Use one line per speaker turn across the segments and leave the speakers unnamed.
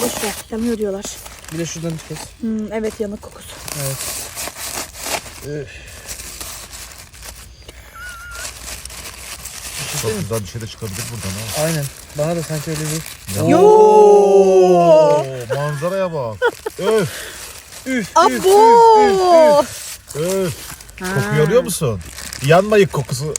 Boş ver. Yanıyor diyorlar.
Bir de şuradan bir kes.
Evet, yanık kokusu.
Evet.
Çok güzel bir şey de çıkabilir buradan ha.
Aynen. Bana da sanki öyle bir...
Yoo!
Manzaraya bak. Öf.
Üf.
Abo!
Öf. Kokuyu alıyor musun? Yanmayık kokusu.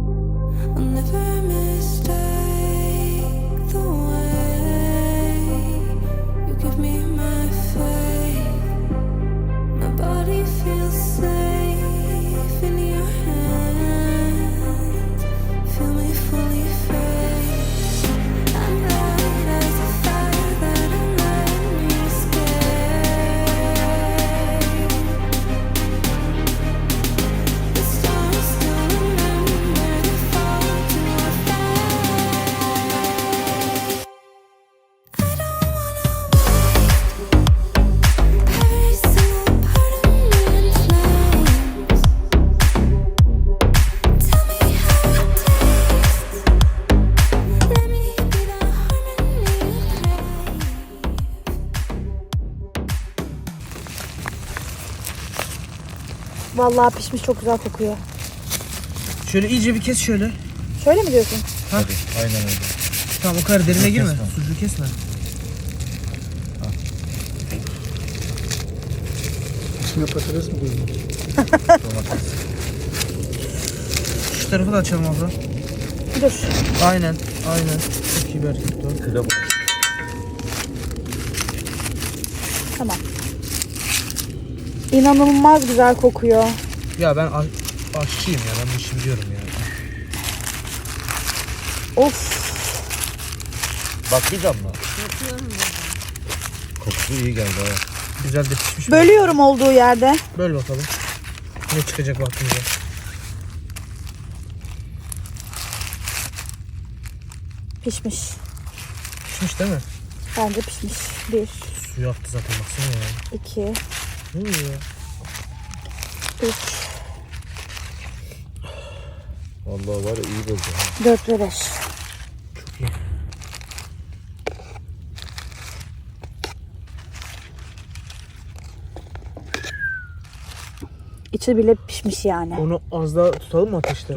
Vallahi pişmiş, çok güzel kokuyor.
Şöyle iyice bir kes şöyle.
Şöyle mi diyorsun?
Hadi. Aynen öyle.
Tamam, o kadar derine girme.
Kesme.
Sucuğu kesme.
İçine patates mi koydun?
Domates.
Şu tarafı da açalım abla.
Dur.
Aynen. Çok iyi bir hareket o.
Kıra
Tamam. İnanılmaz güzel kokuyor.
Ya ben aşçıyım ya. Ben bu işi biliyorum ya.
Of.
Bakmayacağım mı? Kokusu iyi geldi ha.
Güzel de pişmiş.
Bölüyorum olduğu yerde.
Böl bakalım. Ne çıkacak vaktimize.
Pişmiş.
Pişmiş değil mi?
Bence pişmiş. 1,
Suyu aktı zaten, baksana ya.
2,
Ne oluyor ya?
3,
Vallahi var ya, iyi buldu ha.
4 ve 5.
Çok iyi.
İçi bile pişmiş yani.
Onu az daha tutalım mı ateşte?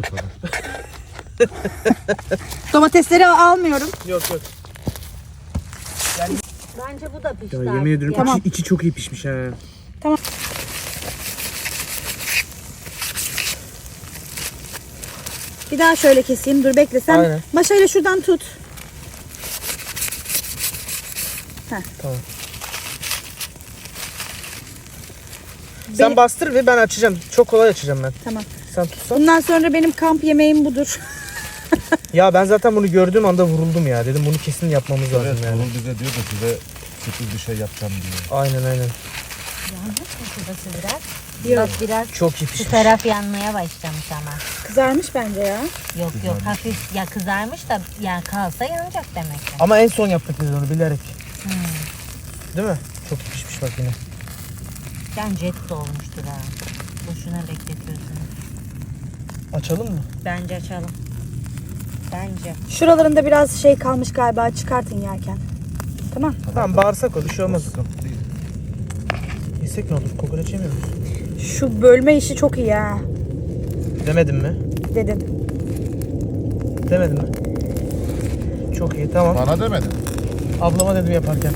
Domatesleri almıyorum.
Yok.
Bence bu da pişti.
Ya yemin ediyorum
Tamam.
içi çok iyi pişmiş ha.
Bir daha şöyle keseyim. Dur bekle sen.
Aynen.
Maşayla şuradan tut.
Tamam. Sen bastır ve ben açacağım. Çok kolay açacağım ben.
Tamam.
Sen tutsan.
Bundan sonra benim kamp yemeğim budur.
Ya ben zaten bunu gördüğüm anda vuruldum ya. Dedim bunu kesin yapmamız lazım
Evet,
yani.
Tuğrul bize diyor da size sürpriz bir şey yapacağım diyor.
Aynen.
Yandı şurası biraz. Bak biraz
Çok iyi
şu
pişmiş.
taraf yanmaya başlamış ama.
Kızarmış bence ya.
Yok hafif ya kızarmış da ya kalsa yanacak demek ki.
Ama en son yaptık biz onu bilerek. Değil mi? Çok iyi pişmiş bak yine.
Bence et de olmuştur ha. Boşuna bekletiyorsunuz.
Açalım mı?
Bence açalım. Bence.
Şuralarında biraz şey kalmış galiba. Çıkartın yerken. Tamam.
Tamam, bağırsak o, bir şey olmaz.
Sıkıntı değil.
Yesek ne olur? Kokoreç yemiyor musun?
Şu bölme işi çok iyi ha.
Demedim mi?
Dedim.
Demedim mi? Çok iyi, tamam.
Bana demedin.
Ablama dedim yaparken.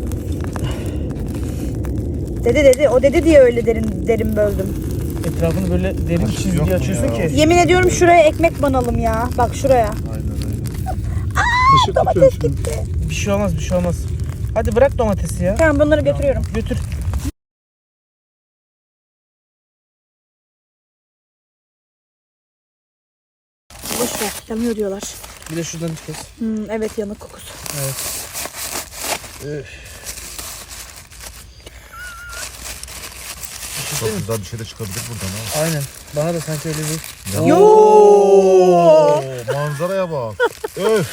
Dedi. O dedi diye öyle derin böldüm.
Etrafını böyle derin
Açık yok
çizgi
mu
açıyorsun
ya?
ki.
Yemin ediyorum şuraya ekmek banalım ya. Bak şuraya.
Aynen.
Işık tutuyorum şimdi.
Bir şey olmaz. Hadi bırak domatesi ya.
Tamam, bunları götürüyorum.
Götür.
Boş ver. Yanıyor diyorlar.
Bir de şuradan bir kes.
Evet, yanık kokusu.
Evet.
Çok güzel bir şey de çıkabilir buradan ha.
Aynen. Bana da sanki öyle bir...
Yoo!
Manzaraya bak. Öf.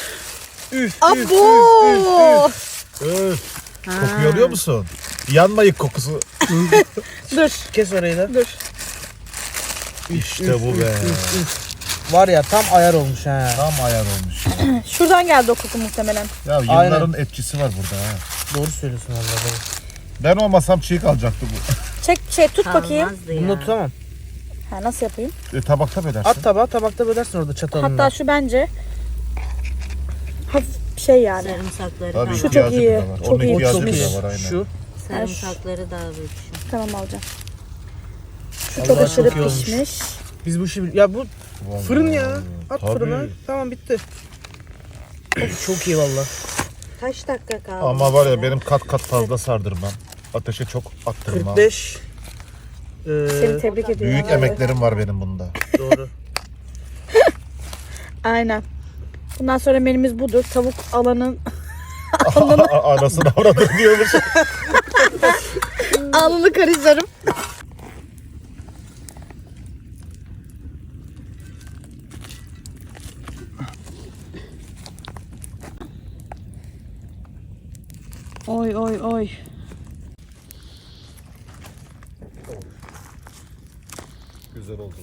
Abo!
Öf. Kokuyu alıyor musun? Yanmayık kokusu.
Dur.
Kes orayı da.
Dur.
İşte bu be.
Var ya, tam ayar olmuş ha.
Tam ayar olmuş.
Şuradan geldi o koku muhtemelen.
Ya yılların etkisi var burada ha.
Doğru söylüyorsun vallahi.
Ben olmasam çiğ kalacaktı bu.
Çek tut bakayım.
Kalmazdı ya.
Bunu da tutamam.
Ha, nasıl yapayım?
Tabakta mı edersin?
At tabağa, tabakta bölersin orada çatalınla.
Hatta şu bence hafif şey yani.
Sarımsakları
Tabii
da
Şu
ihtiyacı
çok
bile
iyi,
var.
çok
Onun
iyi.
ihtiyacı
Çok
bile
iyi.
var aynen.
Şu.
sarımsakları da alıyor şu.
Tamam alacağım. Şu
Allah
çok aşırı
çok iyi olmuş.
pişmiş.
Biz bu işi... Ya bu
Vallahi.
fırın ya. At
Tabii.
fırına. Tamam bitti. Of, çok iyi valla.
Kaç dakika kaldı?
Ama var ya benim kat kat fazla sardırmam. Ateşe çok attırmam.
45.
Seni tebrik ediyorum.
Büyük
abi.
emeklerim var benim bunda.
Doğru.
Aynen. Bundan sonra menümüz budur. Tavuk alanın
Anasını avradır diyormuş.
alnını karıştırırım. Oy oy oy.
Güzel oldu.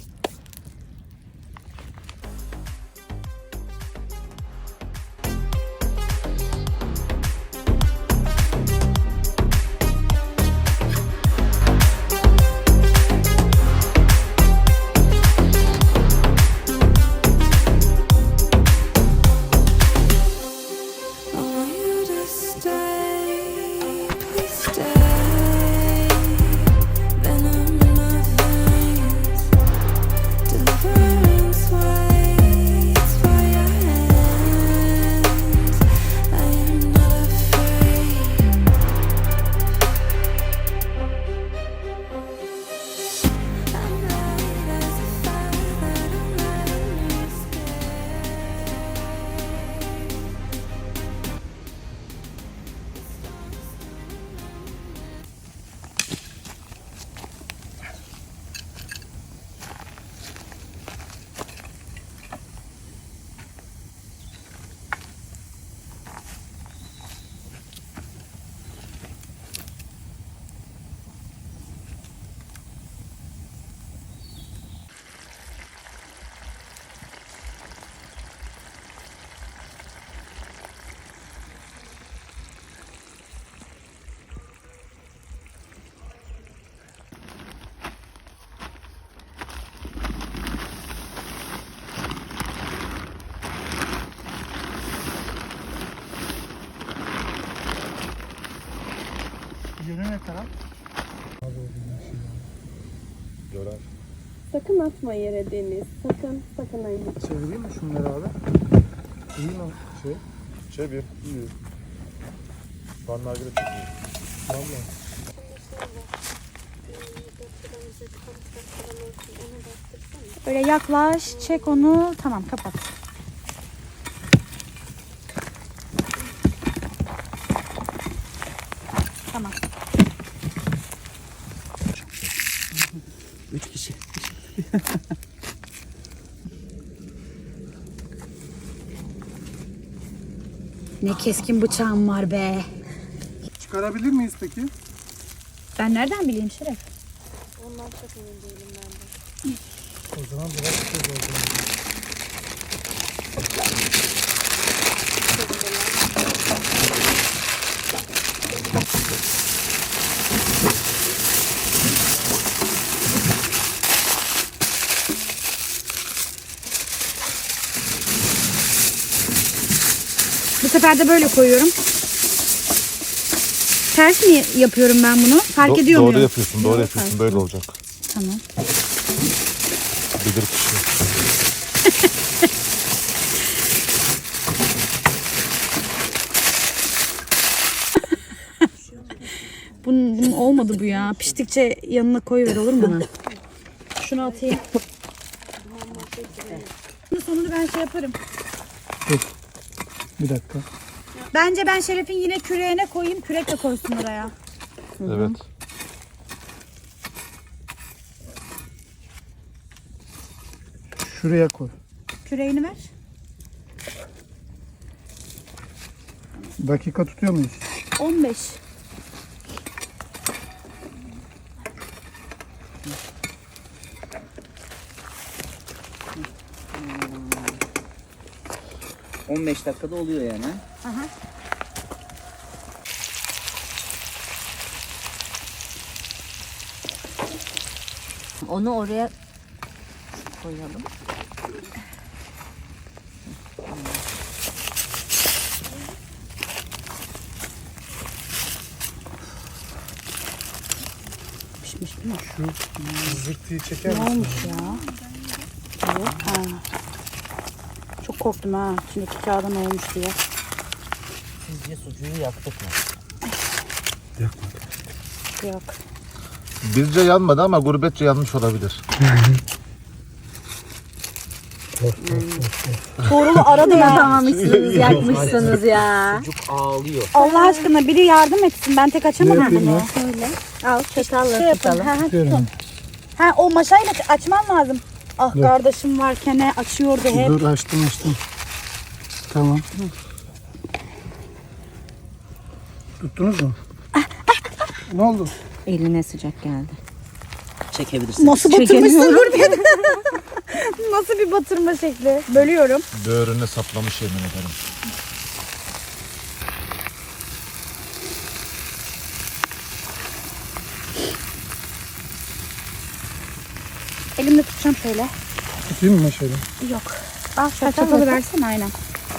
I want you to stay, please stay. Venom in my veins, deliverance waits for your hands. I am not afraid. I'm light as a fire that don't let me escape.
Yönü ne taraf?
Görer.
Sakın atma yere Deniz. Sakın ayıp.
Çevireyim mi şunları abi? İyi mi şey?
Çevir. İyi. Vanlar göre çok iyi.
Vallahi.
Böyle yaklaş, çek onu. Tamam, kapat. Tamam.
3 kişi.
Ne keskin bıçağım var be.
Çıkarabilir miyiz peki?
Ben nereden bileyim Şeref?
O zaman biraz çok oldu.
Bu sefer de böyle koyuyorum. Ters mi yapıyorum ben bunu? Fark ediyor muyum?
Doğru yapıyorsun, doğru yapıyorsun. Böyle olacak.
Tamam.
Bilir kişi.
Bunun olmadı bu ya. Piştikçe yanına koyuver, olur mu bana? Şunu atayım. Bunun sonunu ben şey yaparım.
Bir dakika.
Bence ben Şeref'in yine küreğine koyayım. Kürek de koysun oraya.
Evet.
Şuraya koy.
Küreğini ver.
Dakika tutuyor muyuz?
15.
...15 dakikada oluyor yani.
Aha.
Onu oraya koyalım.
Pişmiş değil mi?
Şu zırtıyı çeker
Ne
misin?
olmuş ya? Evet. Ha. Çok korktum ha. İçindeki kağıda ne olmuş diye.
Sizce sucuğu yaktık mı?
Yok.
Bizce yanmadı ama gurbetçe yanmış olabilir.
Tuğrul'u aradım ya.
Yapamamışsınız, yakmışsınız ya.
Sucuk ağlıyor.
Allah aşkına biri yardım etsin. Ben tek açamadım
Yapayım
bunu.
ya.
Şöyle.
Al çatalla
Şey yapın.
tutalım.
Ha, ha,
Tutuyorum.
tutun. Ha, o maşayla açman lazım. Ah kardeşim varken açıyordu hep.
Dur açtım. Tamam. Tuttunuz mu? Ne oldu?
Eline sıcak geldi.
Çekebilirsin.
Nasıl batırmışsın Gurbet? Nasıl bir batırma şekli? Bölüyorum.
Böğrüne saplamış yemin ederim.
Elimle tutacağım şöyle.
Tutayım mı şöyle?
Yok. Al çatalı versene aynen.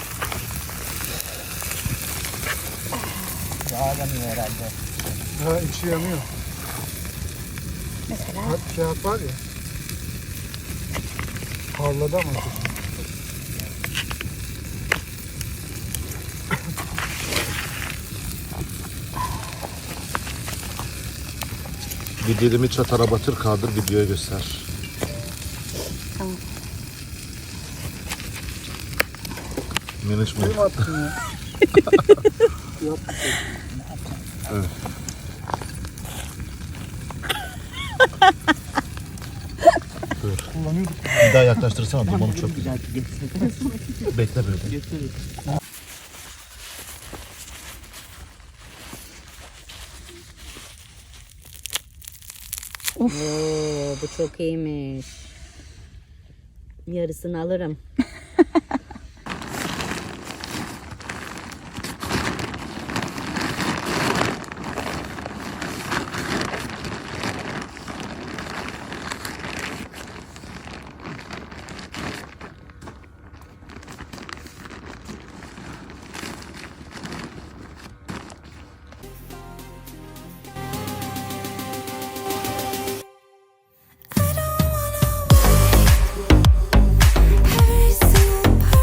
Daha yanıyor herhalde.
Ha içi yanıyor.
Mesela.
Kağıt var ya. Parladı ama.
Bir dilimi çatara batır kaldır videoya göster.
Tamam.
Miniş mi?
Benim attım ya. Kullanıyorduk.
Bir daha yaklaştırsana dumanı çok güzel. Bekle böyle.
Oo, bu çok iyiymiş. Yarısını alırım.
Every single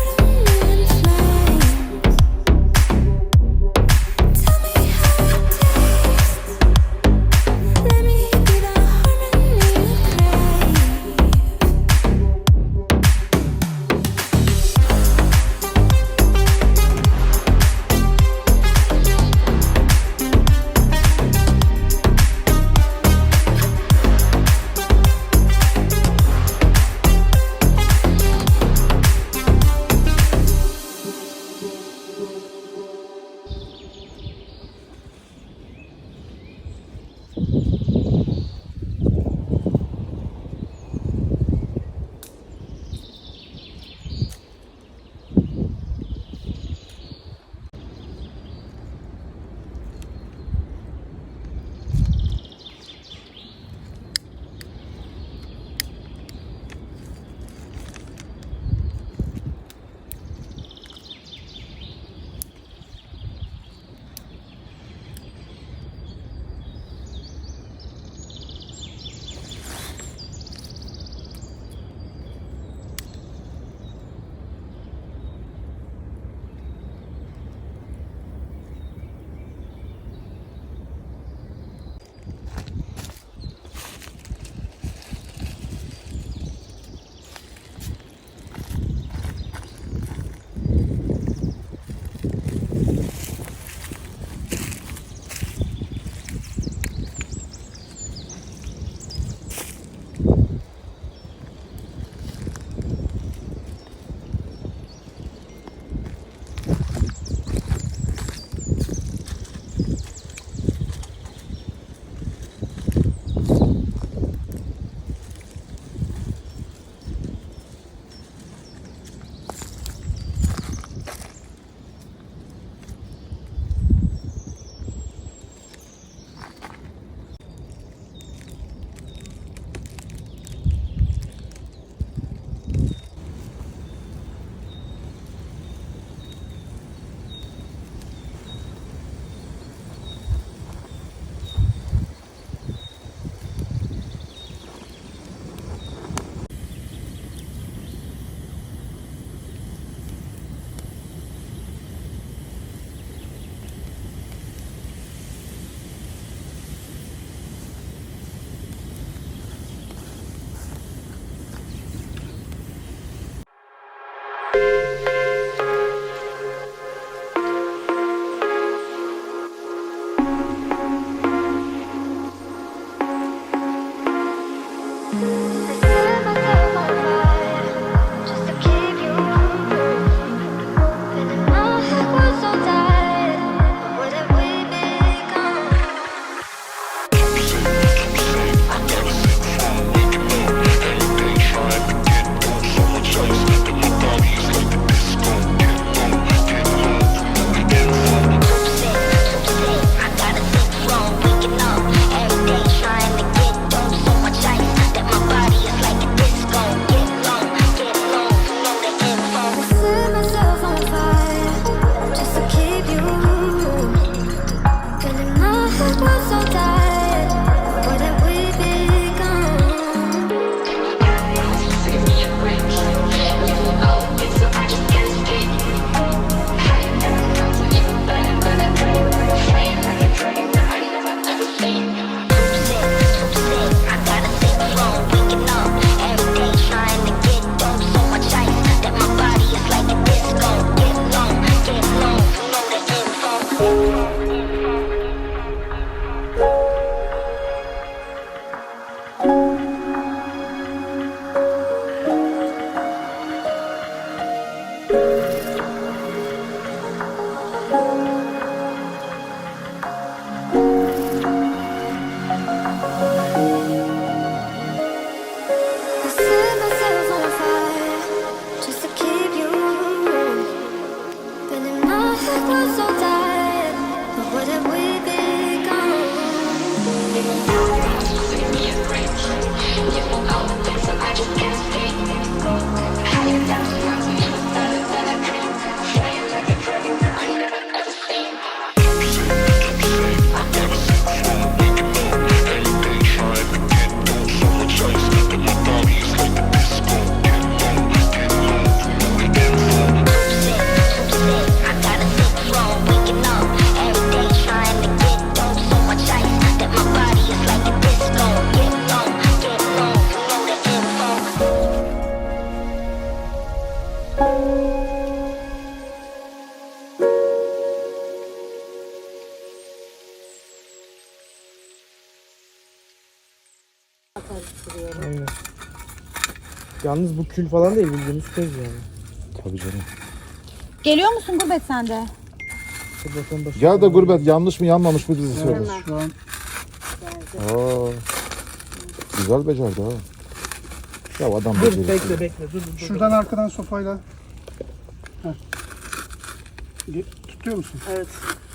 Aynen. Yalnız bu kül falan değil, bildiğimiz köz yani.
Tabii canım.
Geliyor musun Gurbet sen de?
Dur bakalım başına.
Gel de Gurbet yanlış mı yanmamış mı bizi söyle.
Şu an
Aa, güzel becerdi ha. Ya adam
Dur
becerdi.
bekle dur.
şuradan arkadan sopayla. Heh. Tutuyor musun?
Evet.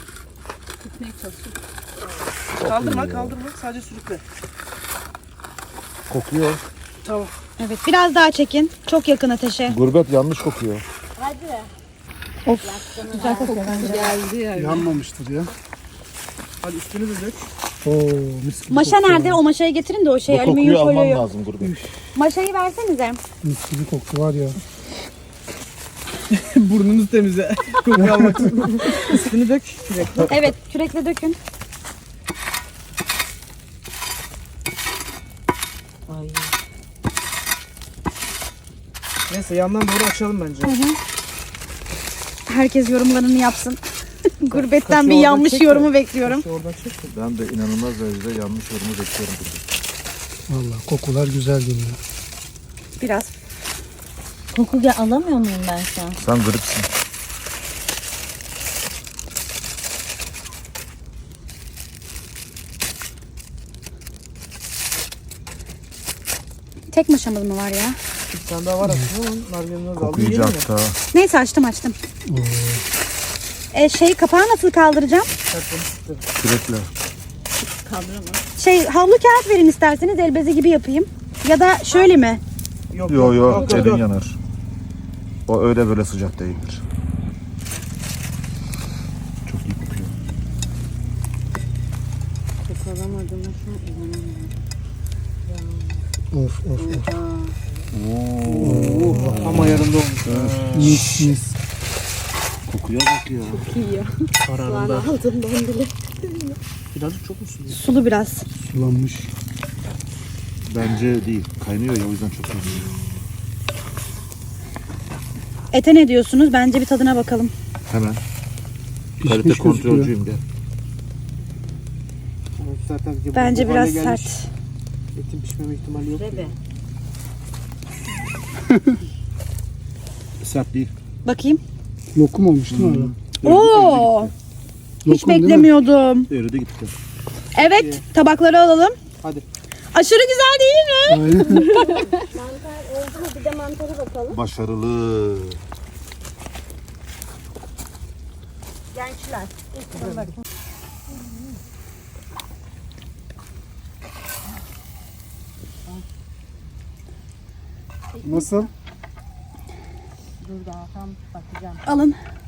Kaldırma sadece sürükle.
Kokuyor.
Tamam.
Evet biraz daha çekin. Çok yakın ateşe.
Gurbet yanlış kokuyor.
Güzel kokuyor bence.
Yanmamıştır ya.
Hadi üstünü de dök.
Oo, mis gibi
Maşa
koktu
nerede?
ya.
O maşayı getirin de o şey
Bu
alüminyum
kokuyu alman
folyoyu.
lazım Gurbet.
Maşayı versenize.
Mis gibi koktu var ya.
Burnunuz temize. Koku almak için. Üstünü dök. Sürekli.
Evet kürekle dökün.
Ay.
Neyse yandan doğru açalım bence.
Herkes yorumlarını yapsın. Gurbetten
Kaşı
bir
oradan
yanlış
çek de.
yorumu bekliyorum.
Şu oradan çek.
Ben de inanılmaz derecede yanlış yorumu bekliyorum Gurbet.
Vallahi kokular güzel geliyor.
Biraz.
Koku alamıyor muyum ben şu an?
Sen gripsin.
Tek maşamız mı var ya?
Bir tane daha var aslında ama nargilenin az aldı.
Koku iyice
Yiyelim mi?
aktı ha.
Neyse açtım. Kapağı nasıl kaldıracağım?
Kürekle.
Havlu kağıt verin isterseniz el bezi gibi yapayım. Ya da şöyle mi?
Yok
Yo elin
yok.
yanar. O öyle böyle sıcak değildir. Çok iyi kokuyor.
Of of of.
Ama yarında olmuş.
Mis mis.
Kokuya bak ya.
Kararında. Birazcık çok mu suluyor?
Sulu biraz.
Sulanmış.
Bence değil. Kaynıyor ya o yüzden çok iyi.
Ete ne diyorsunuz? Bence bir tadına bakalım.
Hemen.
Pişmiş
Kalite
gözüküyor.
kontrolcüyüm gel.
Zaten ki bu
Bence
hale
biraz
gelmiş.
sert.
Etin pişmeme ihtimali yok.
Tabii.
Sert değil.
Bakayım.
Lokum olmuş değil mi abi?
Oo! Hiç
Lokum değil mi?
beklemiyordum.
Eridi gitti.
Evet, tabakları alalım.
Hadi.
Aşırı güzel değil mi?
Aynen.
Mantar oldu mu? Bir de mantara bakalım.
Başarılı.
Gençler.
Nasıl?
Alın.